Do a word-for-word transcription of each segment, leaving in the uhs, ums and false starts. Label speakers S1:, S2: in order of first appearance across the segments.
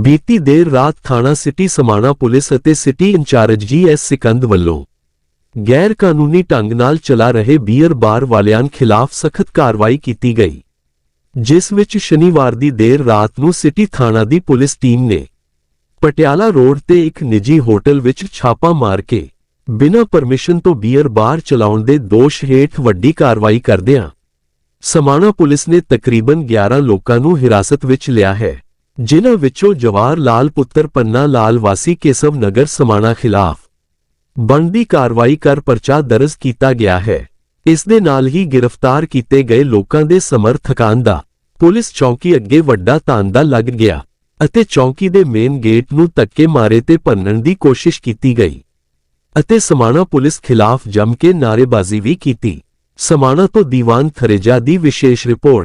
S1: बीती देर रात थाना सिटी समाणा पुलिस ਅਤੇ city incharge G S Sikand ਵੱਲੋਂ गैर कानूनी ढंग नाल चला रहे बीयर बार वालिਆਂ खिलाफ सख्त कार्रवाई की गई, जिस विच शनिवार दी देर रात नूं सिटी थाना दी पुलिस टीम ने पटियाला रोड ते एक निजी होटल विच छापा मार के बिना परमिशन तो बीयर बार चलाउण दे दोष हेठ वड्डी कार्रवाई करदिआं समाणा पुलिस ने तकरीबन ग्यारह लोकां नूं हिरासत विच लिया है, जिन्हां विचों जवाहर लाल पुत्र पन्ना लाल वासी केसव नगर समाणा खिलाफ बनदी कार्रवाई कर परचा दर्ज किया गया है। इस दे नाल ही गिरफ्तार किए गए लोकां दे समर्थकां दा पुलिस चौकी अगे वड्डा तांदा लग गया अते चौकी दे मेन गेट नूं धक्के मारे ते भन्नण दी कोशिश की गई अते समाणा पुलिस खिलाफ जम के नारेबाजी भी की। समाणा तो दीवान थरेजा दी विशेष रिपोर्ट।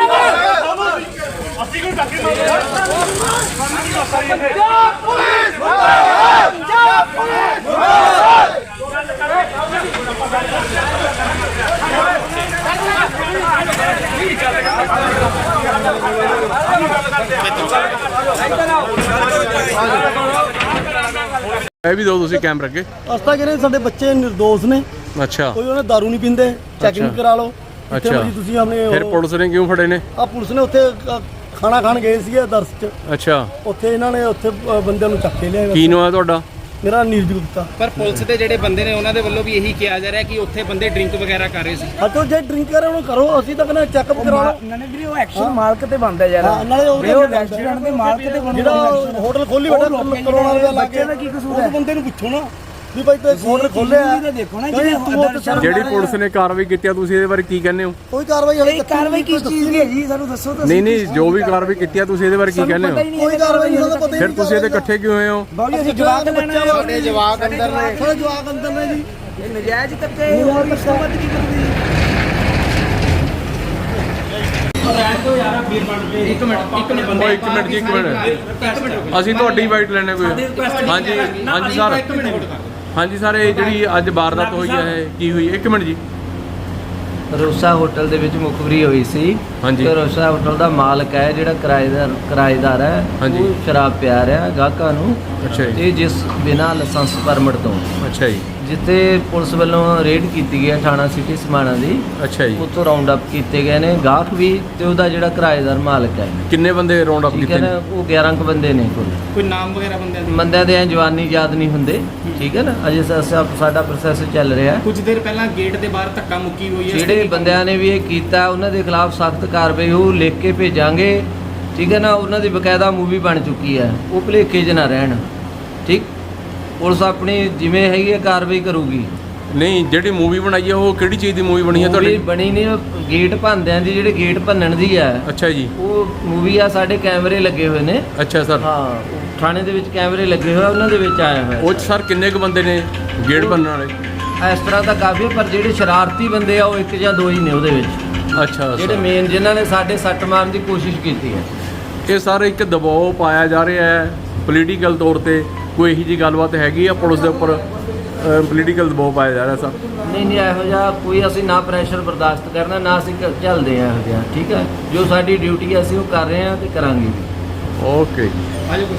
S2: ਇਹ ਵੀ ਦੋ ਤੁਸੀਂ ਕੈਮਰਾ ਅੱਗੇ
S3: ਅਸਤਾ ਕਹਿੰਦੇ ਸਾਡੇ ਬੱਚੇ ਨਿਰਦੋਸ਼ ਨੇ।
S2: ਅੱਛਾ,
S3: ਕੋਈ ਉਹਨੇ ਦਾਰੂ ਨਹੀਂ ਪੀਂਦੇ, ਚੈਕਿੰਗ ਕਰਾ ਲਓ।
S2: ਅੱਛਾ,
S3: ਤੁਸੀਂ ਆਪਣੇ
S2: ਫਿਰ ਪੁਲਿਸ ਨੇ ਕਿਉਂ ਫੜੇ ਨੇ?
S3: ਆ ਪੁਲਿਸ ਨੇ ਉੱਥੇ ਖਾਣਾ ਖਾਣ ਗਏ ਸੀਗੇ ਦਰਸ ਚ।
S2: ਅੱਛਾ,
S3: ਉੱਥੇ ਇਹਨਾਂ ਨੇ ਉੱਥੇ ਬੰਦਿਆਂ ਨੂੰ ਚੱਕ ਕੇ ਲਿਆਏ।
S2: ਕੀ ਨਾਮ ਹੈ ਤੁਹਾਡਾ?
S3: ਮੇਰਾ ਨੀਰਜ ਗੁਪਤਾ।
S4: ਪਰ ਪੁਲਿਸ ਦੇ ਜਿਹੜੇ ਬੰਦੇ ਨੇ ਉਹਨਾਂ ਦੇ ਵੱਲੋਂ ਵੀ ਇਹੀ ਕਿਹਾ ਜਾ ਰਿਹਾ ਕਿ ਉੱਥੇ ਬੰਦੇ ਡਰਿੰਕ ਵਗੈਰਾ ਕਰ ਰਹੇ ਸੀ।
S3: ਹਟੋ, ਜੇ ਡਰਿੰਕ ਕਰ ਰਹੇ ਉਹਨੂੰ ਕਰੋ, ਅਸੀਂ ਤਾਂ ਕਹਿੰਦੇ ਚੈੱਕਅਪ ਕਰਾ ਲਓ।
S5: ਉਹਨਾਂ ਨੇ ਵੀ ਉਹ ਐਕਸ਼ਨ ਮਾਲਕ ਤੇ ਬਣਦਾ ਯਾਰ।
S3: ਹਾਂ, ਨਾਲੇ ਉਹ
S5: ਰੈਸਟੋਰੈਂਟ ਦੇ ਮਾਲਕ ਤੇ ਬਣਦਾ।
S3: ਜਿਹੜਾ ਹੋਟਲ ਖੋਲੀ ਬੈਠਾ ਕਰੋਨਾ ਰੁਪਏ ਲਾ ਕੇ,
S5: ਬੱਚੇ ਦਾ ਕੀ ਕਸੂਰ ਹੈ?
S3: ਉਹ ਬੰਦੇ ਨੂੰ ਪੁੱਛੋ ਨਾ ਵੀ ਭਾਈ ਤੂੰ ਹੋਟਲ ਖੋਲਿਆ
S5: ਤਾਂ ਦੇਖੋ ਨਾ
S2: ਜਿਹੜੀ ਪੁਲਿਸ ਨੇ ਕਾਰਵਾਈ ਕੀਤੀ ਤੁਸੀਂ ਇਹਦੇ ਬਾਰੇ ਕੀ ਕਹਿੰਦੇ ਹੋ?
S3: ਕੋਈ ਕਾਰਵਾਈ ਹਲੇ
S5: ਕਾਰਵਾਈ ਕਿਸ ਚੀਜ਼ ਦੀ ਹੈ ਜੀ, ਸਾਨੂੰ ਦੱਸੋ ਤਾਂ।
S2: ਨਹੀਂ ਨਹੀਂ, ਜੋ ਵੀ ਕਾਰਵਾਈ ਕੀਤੀ ਤੁਸੀਂ ਇਹਦੇ ਬਾਰੇ ਕੀ ਕਹਿੰਦੇ ਹੋ?
S3: ਕੋਈ ਕਾਰਵਾਈ ਨਹੀਂ, ਸਾਨੂੰ ਪਤਾ ਹੀ
S2: ਫਿਰ ਤੁਸੀਂ ਇਹਦੇ ਇਕੱਠੇ ਕਿਉਂ ਹੋਏ ਹੋ?
S5: ਬਾਬੂ ਅਸੀਂ ਜਵਾਬ ਲੈਣਾ ਹੈ।
S3: ਸਾਡੇ ਜਵਾਕ ਅੰਦਰ ਨੇ, ਸਾਡੇ ਜਵਾਕ ਅੰਦਰ ਨੇ ਜੀ।
S5: ਇਹ ਨਜਾਇਜ਼ ਤੱਕੇ ਹੋਰ ਮਸਲਮਤ ਕੀ ਕਰਦੀ ਹੈ?
S4: ਇੱਕ ਮਿੰਟ ਇੱਕ ਮਿੰਟ
S2: ਓਏ ਇੱਕ ਮਿੰਟ ਜੀ, ਇੱਕ ਮਿੰਟ, ਅਸੀਂ ਤੁਹਾਡੀ ਵਾਈਟ ਲੈਣੇ ਕੋਈ। ਹਾਂਜੀ ਹਾਂਜੀ ਸਰ, ਹਾਂਜੀ ਸਰ, ਇਹ ਜਿਹੜੀ ਅੱਜ ਵਾਰਦਾਤ ਹੋਈ ਹੈ ਕੀ ਹੋਈ? ਇੱਕ ਮਿੰਟ ਜੀ।
S6: ਰੋਸਾ ਹੋਟਲ ਦੇ ਵਿੱਚ ਮੁਖਬਰੀ ਹੋਈ ਸੀ।
S2: ਹਾਂਜੀ।
S6: ਤੇ ਰੋਸਾ ਹੋਟਲ ਦਾ ਮਾਲਕ ਹੈ ਜਿਹੜਾ ਕਿਰਾਏਦਾਰ ਕਿਰਾਏਦਾਰ ਹੈ,
S2: ਹਾਂਜੀ,
S6: ਉਹ ਸ਼ਰਾਬ ਪਿਆ ਰਿਹਾ ਗਾਹਕਾਂ ਨੂੰ।
S2: ਅੱਛਾ ਜੀ।
S6: ਤੇ ਜਿਸ ਬਿਨਾਂ ਲਾਇਸੈਂਸ ਪਰਮਿਟ ਤੋਂ,
S2: ਅੱਛਾ ਜੀ,
S6: ਜਿੱਥੇ ਪੁਲਿਸ ਵੱਲੋਂ ਰੇਡ ਕੀਤੀ ਗਈ ਹੈ ਥਾਣਾ ਸਿਟੀ ਸਮਾਣਾ ਦੀ,
S2: ਅੱਛਾ ਜੀ,
S6: ਉੱਥੋਂ ਰਾਉਂਡ ਅਪ ਕੀਤੇ ਗਏ ਨੇ ਗਾਹਕ ਵੀ ਤੇ ਉਹਦਾ ਜਿਹੜਾ ਕਿਰਾਏਦਾਰ ਮਾਲਕ ਹੈ।
S2: ਕਿੰਨੇ ਬੰਦੇ ਰਾਉਂਡ ਅਪ
S6: ਠੀਕ ਹੈ
S2: ਕੀਤੇ
S6: ਨਾ,
S2: ਨੇ?
S6: ਉਹ ਗਿਆਰਾਂ ਕੁ ਬੰਦੇ ਨੇ ਕੁੱਲ।
S4: ਕੋਈ ਨਾਮ ਵਗੈਰਾ ਬੰਦਿਆਂ ਦੇ?
S6: ਬੰਦਿਆਂ ਦੇ ਐਂ ਜਵਾਨੀ ਯਾਦ ਨਹੀਂ ਹੁੰਦੇ, ਠੀਕ ਹੈ ਨਾ, ਅਜੇ ਸਾ- ਸਾਡਾ ਪ੍ਰੋਸੈਸ ਚੱਲ ਰਿਹਾ।
S4: ਕੁਝ ਦੇਰ ਪਹਿਲਾਂ ਗੇਟ ਦੇ ਬਾਹਰ ਧੱਕਾ ਮੁੱਕੀ ਹੋਈ ਹੈ।
S6: ਜਿਹੜੇ ਬੰਦਿਆਂ ਨੇ ਵੀ ਇਹ ਕੀਤਾ ਉਹਨਾਂ ਦੇ ਖਿਲਾਫ ਸਖਤ ਕਾਰਵਾਈ ਉਹ ਲਿਖ ਕੇ ਭੇਜਾਂਗੇ, ਠੀਕ ਹੈ ਨਾ। ਉਹਨਾਂ ਦੀ ਬਕਾਇਦਾ ਮੂਵੀ ਬਣ ਚੁੱਕੀ ਹੈ, ਉਹ ਭੁਲੇਖੇ 'ਚ ਨਾ ਰਹਿਣ। ਠੀਕ, ਪੁਲਿਸ ਆਪਣੀ ਜਿਵੇਂ ਹੈਗੀ ਹੈ ਕਾਰਵਾਈ ਕਰੂਗੀ।
S2: ਨਹੀਂ, ਜਿਹੜੀ ਮੂਵੀ ਬਣਾਈ ਹੈ ਉਹ ਕਿਹੜੀ ਚੀਜ਼ ਦੀ ਮੂਵੀ ਬਣੀ ਹੈ
S6: ਮੂਵੀ
S2: ਤੁਹਾਡੀ?
S6: ਬਣੀ ਨਹੀਂ, ਉਹ ਗੇਟ ਭੰਨਦਿਆਂ ਦੀ, ਜਿਹੜੇ ਗੇਟ ਭੰਨਣ ਦੀ ਹੈ
S2: ਅੱਛਾ ਜੀ,
S6: ਉਹ ਮੂਵੀ ਆ। ਸਾਡੇ ਕੈਮਰੇ ਲੱਗੇ ਹੋਏ ਨੇ।
S2: ਅੱਛਾ ਸਰ।
S6: ਹਾਂ, ਉਹ ਥਾਣੇ ਦੇ ਵਿੱਚ ਕੈਮਰੇ ਲੱਗੇ ਹੋਏ ਆ, ਉਹਨਾਂ ਦੇ ਵਿੱਚ ਆਇਆ ਹੋਇਆ।
S2: ਉਹ 'ਚ ਸਰ ਕਿੰਨੇ ਕੁ ਬੰਦੇ ਨੇ ਗੇਟ ਬਣਨ ਵਾਲੇ?
S6: ਇਸ ਤਰ੍ਹਾਂ ਤਾਂ ਕਾਫੀ ਹੈ, ਪਰ ਜਿਹੜੇ ਸ਼ਰਾਰਤੀ ਬੰਦੇ ਆ ਉਹ ਇੱਕ ਜਾਂ ਦੋ ਹੀ ਨੇ ਉਹਦੇ ਵਿੱਚ।
S2: ਅੱਛਾ
S6: ਜਿਹੜੇ
S2: ਸਰ,
S6: ਮੇਨ ਜਿਨ੍ਹਾਂ ਨੇ ਸਾਡੇ ਸੱਟ ਮਾਰਨ ਦੀ ਕੋਸ਼ਿਸ਼ ਕੀਤੀ ਹੈ।
S2: ਇਹ ਸਰ ਇੱਕ ਦਬਾਅ ਪਾਇਆ ਜਾ ਰਿਹਾ ਹੈ ਪੋਲੀਟੀਕਲ ਤੌਰ ਤੇ, ਕੋਈ ਇਹੋ ਜਿਹੀ ਗੱਲਬਾਤ ਹੈਗੀ ਆ ਪੁਲਿਸ ਦੇ ਉੱਪਰ? ਪੋਲੀਟੀਕਲ ਦਬਾਅ ਪਾਇਆ ਜਾ ਰਿਹਾ ਸਰ?
S6: ਨਹੀਂ ਨਹੀਂ, ਇਹੋ ਜਿਹਾ ਕੋਈ ਅਸੀਂ ਨਾ ਪ੍ਰੈਸ਼ਰ ਬਰਦਾਸ਼ਤ ਕਰਨਾ, ਨਾ ਅਸੀਂ ਕ- ਝੱਲਦੇ ਹਾਂ ਇਹੋ ਜਿਹਾ। ਠੀਕ ਹੈ, ਜੋ ਸਾਡੀ ਡਿਊਟੀ ਹੈ ਅਸੀਂ ਉਹ ਕਰ ਰਹੇ ਹਾਂ ਤੇ ਕਰਾਂਗੇ ਵੀ।
S2: ਓਕੇ।
S4: ਆਜੋ।